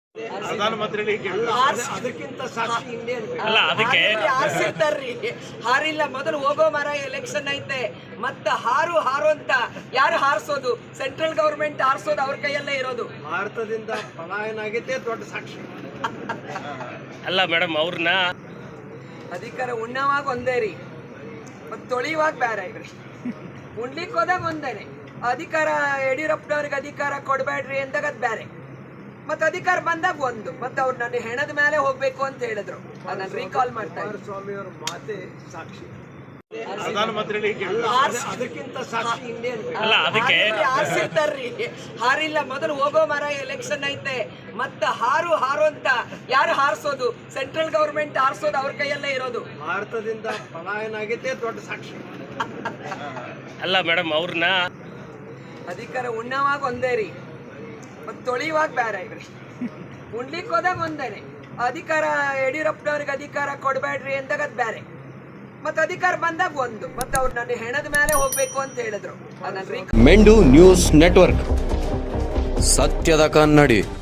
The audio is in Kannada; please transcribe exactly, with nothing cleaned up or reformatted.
ಪ್ರಧಾನಮಂತ್ರಿಗಳಿಗೆ ಅದಕ್ಕಿಂತ ಸಾಕ್ಷಿ ಇಂಡಿಯನ್ ಅಲ್ಲ ಅದಕ್ಕೆ ಹಾರಿರ್ತಾರ್ರಿ ಹಾರಿಲ್ಲ ಮೊದಲು ಹೋಗೋ ಮರ ಎಲೆಕ್ಷನ್ ಐತೆ ಮತ್ತ ಹಾರು ಹಾರು ಅಂತ ಯಾರು ಹಾರಿಸೋದು ಸೆಂಟ್ರಲ್ ಗವರ್ಮೆಂಟ್ ಹಾರಿಸೋದು ಅವ್ರ ಕೈಯಲ್ಲೇ ಇರೋದು. ಭಾರತದಿಂದ ಪಲಾಯನ ಆಗಿದ್ದೇ ದೊಡ್ಡ ಸಾಕ್ಷಿ. ಅಲ್ಲ ಮೇಡಮ್ ಅವ್ರನ್ನ ಅಧಿಕಾರ ಉಣ್ಣವಾಗ ಒಂದೇ ರೀ ಮತ್ತೆ ತೊಳಿಯುವಾಗ ಬೇರೆ ಇವ್ರಿ ಉಣ್ಲಿಕ್ಕೆ ಹೋದಾಗ ಒಂದೇನೆ ಅಧಿಕಾರ ಯಡಿಯೂರಪ್ಪನವ್ರಿಗೆ ಅಧಿಕಾರ ಕೊಡಬೇಡ್ರಿ ಅಂದಾಗ ಅದು ಬೇರೆ ಮತ್ತೆ ಅಧಿಕಾರ ಬಂದಾಗ ಒಂದು ಮತ್ತೆ ಅವ್ರು ನನ್ನ ಹೆಣದ ಮೇಲೆ ಹೋಗ್ಬೇಕು ಅಂತ ಹೇಳಿದ್ರು ಅದನ್ನ ರೀಕಾಲ್ ಮಾಡ್ತಾ ಇದ್ರು. ಸ್ವಾಮಿ ಅವರ ಮಾತೆ ಸಾಕ್ಷಿ. ಪ್ರಧಾನಮಂತ್ರಿಗಳಿಗೆ ಅದಕ್ಕಿಂತ ಸಾಕ್ಷಿ ಇಂಡಿಯನ್ ಅಲ್ಲ ಅದಕ್ಕೆ ಹಾರಿರ್ತಾರ್ರಿ ಹಾರಿಲ್ಲ ಮೊದಲು ಹೋಗೋ ಮರ ಎಲೆಕ್ಷನ್ ಐತೆ ಮತ್ತ ಹಾರು ಹಾರು ಅಂತ ಯಾರು ಹಾರಿಸೋದು ಸೆಂಟ್ರಲ್ ಗವರ್ಮೆಂಟ್ ಹಾರಿಸೋದು ಅವ್ರ ಕೈಯಲ್ಲೇ ಇರೋದು. ಭಾರತದಿಂದ ಪಲಾಯನ ಆಗಿದ್ದೇ ದೊಡ್ಡ ಸಾಕ್ಷಿ. ಅಲ್ಲ ಮೇಡಮ್ ಅವ್ರನ್ನ ಅಧಿಕಾರ ಉಣ್ಣವಾಗ ಒಂದೇ ರೀ ಮತ್ತೆ ತೊಳಿಯುವಾಗ ಬೇರೆ ಇವ್ರಿ ಉಣ್ಲಿಕ್ಕೆ ಹೋದಾಗ ಒಂದೇನೆ ಅಧಿಕಾರ ಯಡಿಯೂರಪ್ಪನವ್ರಿಗೆ ಅಧಿಕಾರ ಕೊಡಬೇಡ್ರಿ ಅಂದಾಗ ಅದು ಬೇರೆ ಮತ್ತೆ ಅಧಿಕಾರ ಬಂದಾಗ ಒಂದು ಮತ್ತೆ ಅವ್ರು ನನ್ನ ಹೆಣದ ಮೇಲೆ ಹೋಗ್ಬೇಕು ಅಂತ ಹೇಳಿದ್ರು ಅದನ್ನ ಮೆಂಡು ನ್ಯೂಸ್ ನೆಟ್ವರ್ಕ್ ಸತ್ಯದ ಕನ್ನಡಿ.